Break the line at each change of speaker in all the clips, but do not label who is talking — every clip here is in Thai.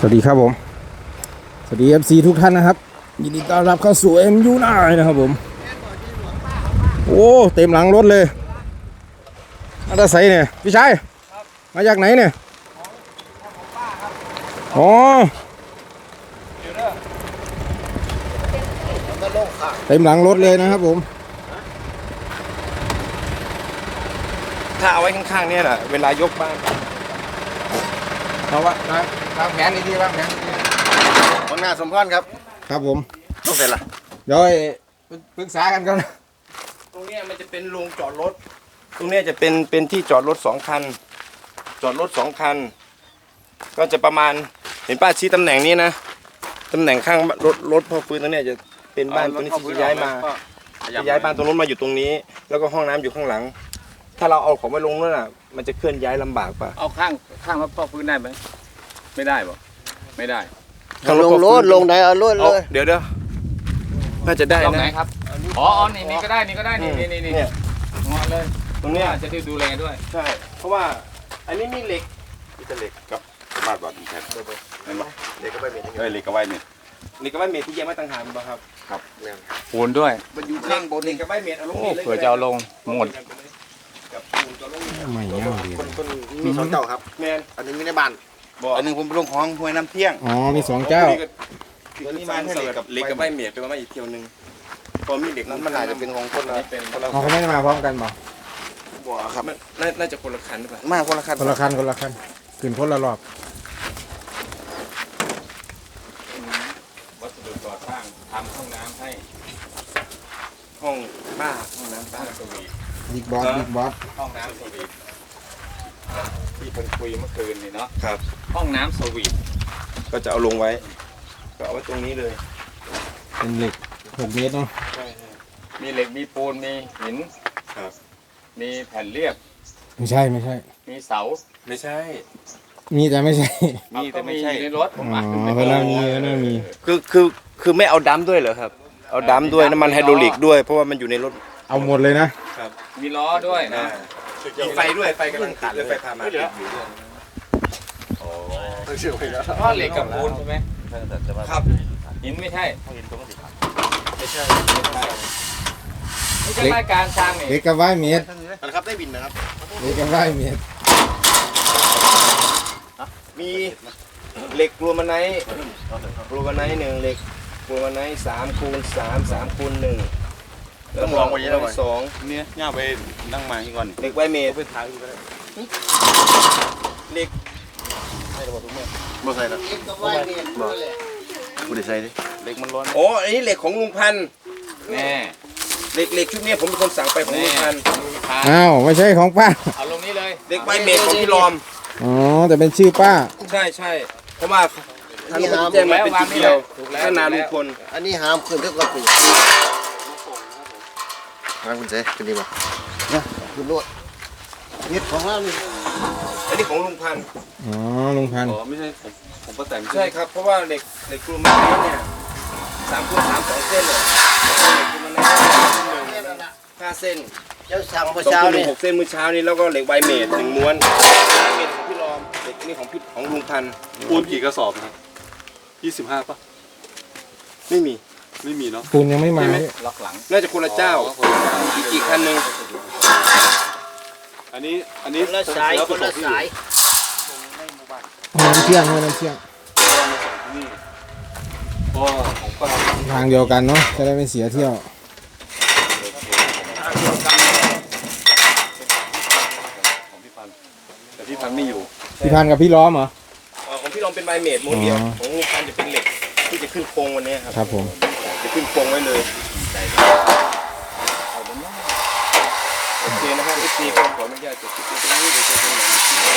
สวัสดีครับผมสวัสดี FC ทุกท่านนะครับยินดีต้อนรับเข้าสู่ MU9 นะครับผมโอ้เต็มหลังรถเลยมาจากไหนเนี่ยพี่ชายมาจากไหนเนี่ยอ๋อเต็มหลังรถเลยนะครับผมถ้าเอาไว้ข้างๆเนี่ยแหละเวลายกบ้านเพราะว่าวางแผนดีๆวางแผนดีๆวังหน้าสมพรครับครับผมต้องเสร็จละเดี๋ยวปรึกษากันก่อนตรงนี้มันจะเป็นโรงจอดรถตรงนี้จะเป็นที่จอดรถ2 คันจอดรถ2 คันก็จะประมาณเห็นป้าชี้ตำแหน่งนี้นะตำแหน่งข้างรถพ่อฟื้นตรงนี้จะเป็นบ้านตรงนี้ที่จะย้ายมาจะย้ายบ้านตรงนู้นมาอยู่ตรงนี้ แล้วก็ห้องน้ำอยู่ข้างหลังถ้าเราเอาของไปลงนั่นน่ะมันจะเคลื่อนย้ายลำบากป่ะ
เอาข้างพ่อฟื้นได้ไหมไม่ได้บ่ไม่ได้
ลงรถลงไหนเอารถเลย
เดี๋ยวน่าจะได้นะ
ไหนครับอ๋อนี่ก็ได้นี่งอเลย
ตรงนี้
จะได้ดูแลด้วย
ใช่เพราะว่าอันนี้มีเหล็ก
กับมาดวัดแทนนั่นหรอเหล็กก็ไม่เมทเหล็กก็ไว้เมท
เหล็กกับไม้เมทที่ยังไม่ต่างหากมั้งครับ
ครับ
ปูนด้วย
มันอยู่ข้างบนเหล็กกับไม้เมทเอาลงนี่เลย
เผื่อจะเอาลงหมด
กับปูนจะลง
ไม่เงาดี
คนมี2 เจ้าครับ
แมน
อันนึงมีในบ้านอันนึงผมลงของห้วยน้ำเที่ยง
อ๋อมี2 เจ้า
ตัวนี้มาให้เหล็กกับไม้เมทไปมาอีกเที่ยวนึงพอมีเหล็ก
นั้นมันอาจจะเป็นของคนละ
เขาไม่ได้มาพร้อมกันบ่
บ่ครับ
น่าจะคนละคันหรือเปล่า
มาคนละคัน
คนละคันขึ้นคนละรอบ
วัสดุก่อสร้างทำห้องน้ำให้
ห้องน้ำบ้า
สวีท
บิ๊กบอส
ห้องน้ำสวีทที่ผมคุยเมื่อคืนนี่เนาะ
ครับ
ห้องน้ำสวีท
ก็จะเอาลงไว้ก็เอาไว้ตรงนี้เลย
เป็นเหล็ก6 เมตรเนาะ
มีเหล็กมีปูนมีหิน
ครับ
มีแผ่นเรียบ
ไม่ใช่
มีเสา
ไม่ใช่
มีแต่ไม่ใช่
มีแต่ไม่ใช่ในรถผม
อ๋อเพราะนั้นมี
คือไม่เอาดัมด้วยเหรอครับเอาดัมด้วยน้ำมันไฮดรอลิกด้วยเพราะว่ามันอยู่ในรถ
เอาหมดเลยนะครับ
มีล้อด้วยนะ
มีไฟด้วยไฟกำลังติดเลยไฟพามาติดอยู่ด้วย
อ๋อเพราะเหล็กกับปูนใช่ไหม
ครับ
หินไม่ใช่
ไม่ใช่
รายการสร้างนี่
เหล็กกับไม้เมตร
นะครับได้บินนะครับ
เหล็กกับไม้เมตร
มีเหล็กกลูมาไนท์1เหล็กกลูมาไนท์3x3 3x1แล้ว
ลองไปเยอะ
เลย2
เนี่ยย่าไปนั่งมาที่ก่อน
เหล็กไวเมท
ไปถ่ายก็ได้
เหล็ก
ให้ระบบทุกเมื่อบ่ใส่ละบ่กูได้ใส่ดิเหล็กมันร้อน
โอ้อันนี้เหล็กของลุงพันธุ์
แน่
เหล็กชุดนี้ผมเป็นคนสั่งไปของลุงพันธุ์
อ้าวไม่ใช่ของป้า
เอาลงนี้เลย
เหล็กไวเมทของพี่รอม
อ๋อแต่เป็นชื่อป้า
ใช่เพราะว่าท่านแจ้งมาเป็นจุดเดียวท่านนาลุงพล
อันนี้หามขึ้นเท่ากับปีมาคุณเจ๊เป็นดีป่ะเนี่ยคุณรวดเม็ดของเรานี่
อันนี้ของลุงพันธุ์
อ๋อลุงพันธุ์
อ๋อไม่ใช่ผมก็แต่ง
ใช่ครับเพราะว่าเหล็กกลูมาไนท์เนี่ย3x3 2 เส้นเลยเหล็กกลูมาไนท์5 เส้น
เจ้าสั่งเมื่อเช้านี่
6 เส้นเมื่อเช้านี้แล้วก็เหล็กไวเมท1 ม้วนเมทของพี่รอมเหล็กนี่ของลุงพันธุ์
ปูนกี่กระสอบครับ25ป่ะ
ไม่มี
เนาะ
ปูนยังไม่มา
ล็อกหลัง
น่าจะคนละเจ้าอีกคันหนึ่ง
อันนี้
คนละสายน้ำเชี่ยงทางเดียวกันเนาะจะได้ไม่เสียเที่ยว
แต่พี่พันไม่อยู่
พี่พันกับพี่ล้อมเหรอ
ของพี่ล้อมเป็นไวเมทม้วนเดียวของลุงพันจะเป็นเหล็กที่จะขึ้นโครงวันนี้
ครับผม
จะขึ้นโครงไว้เลยโอเคนะครับพี่ตีขออนุญาตจะคิดตรงนี้เดี๋ยวจะตรงไหน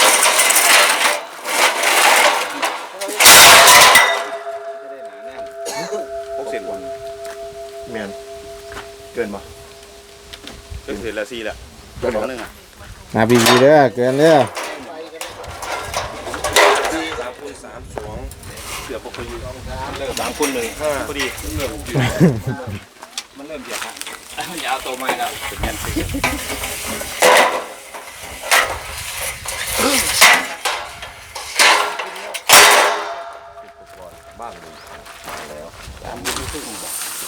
6 เซนวันเมียนเกินป่ะเกินละ4แหละเกิน1อ่ะ
มาบีเด้อเกินเด้อ
3x3 2เกือบพอดี3x1 5พอดี
มันเริ่มเบียดฮะอย่าเอาตัวไม้แล้วเป็นแมนซี
แล้ว
ตามมือซึ่งบอก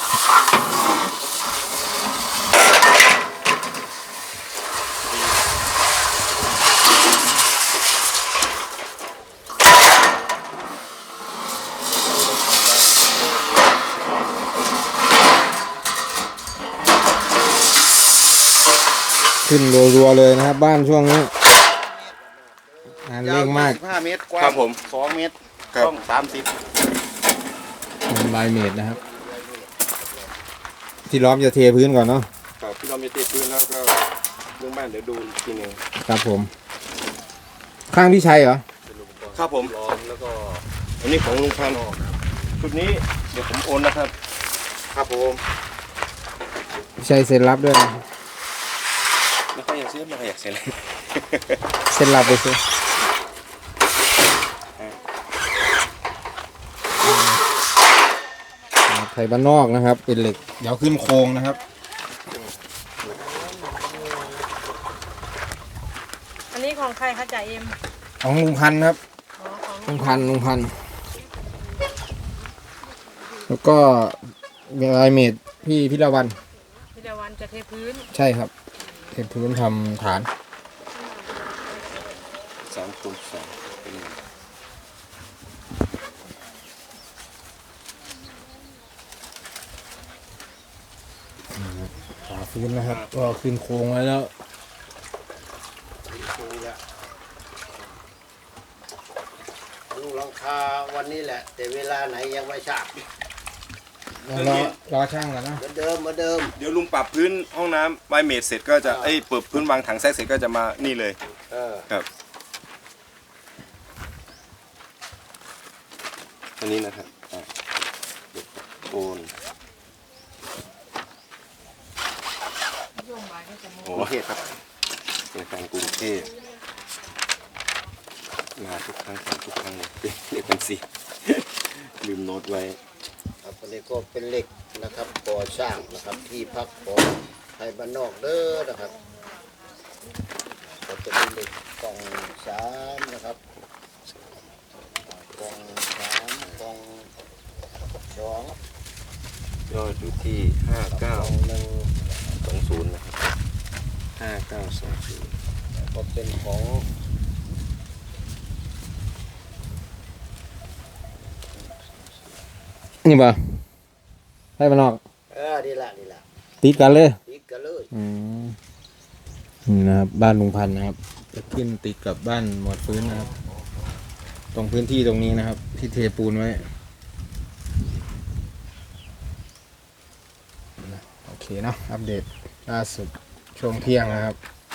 ขึ้นรัวๆเลยนะครับ บ้านช่วงนี้งานเร่งมาก
15 เมตรกว้าง
ครับผม
2 เมตร
ครับ
ต้อง30
เป็นลายเมตรนะครับ ที่ล้อมจะเทพื้นก่อนเนาะ
ครับพี่เรามีติดพื้นแล้วก็เรื่องบ้านเดี๋ยวดูอีกทีหนึง
ครับผม ข้างพี่ชัยเหรอ
ครับผม
ล้อมแล้วก็
อันนี้ของลุงพันธุ์ชุดนี้เดี๋ยวผมโอนนะครับ
ครับผม
พี่ชัยเซ็นรับด้วยนะ
ไม่ค่อยอยากซื้อไม่ค่อยอยากเสียเลย
เซ็นรับไปซื้อไทยบ้านนอกนะครับ เป็นเหล็กเดี๋ยวขึ้นโครงนะครับ
อันนี้ของใครคะจ่าเอ็ม
ของลุงพันธุ์ครับ
อ๋อของ
ลุงพันธุ์แล้วก็ลายเมตรพี่พิรวัน
พิรวันจะเทพื้น
ใช่ครับเทพื้นทำฐาน
3 คูณ 2เป็น
ฝาพื้นนะครับ ก็ขึ้นโครงไว้แล้ว
ลูกหลังคาวันนี้แหละ แต่เวลาไหนยังไม่ทราบ
รอช่างกันนะ
เหมือนเดิมเหมือนเดิม
เดี๋ยวลุงปรับพื้นห้องน้ำไวเมดเสร็จก็จะเปิดพื้นวางถังแซกเสร็จก็จะมานี่เลย
เออ
ครับอันนี้นะครับโอนโอ้
กรุงเทพครับ
เป็นแฟนกรุงเทพมาทุกครั้งทุกครั้งเลยเรียกเป็นสี่ ลืมโน้ตไว้
ครับอันนี้ก็เป็นเหล็กนะครับก่อสร้างนะครับที่พักของไทยบ้านนอกเด้อนะครับก็จะมีเหล็กกล่อง3นะครับกล่อง3กล่อง2
ยอดอยู่ที่
กล่อง1
5920นะครับ5920
ก็เป็นของ
นี่ป่ะให้มานอก
นี่แหละ
ติดกันเลย
อีกกันเลย
นี่นะครับบ้านลุงพันธุ์นะครับ จะขึ้นติดกับบ้านหมวดฟื้นนะครับ ตรงพื้นที่ตรงนี้นะครับ ที่เทปูนไว้โอเคเนาะอัปเดตล่าสุดช่วงเที่ยงนะครับ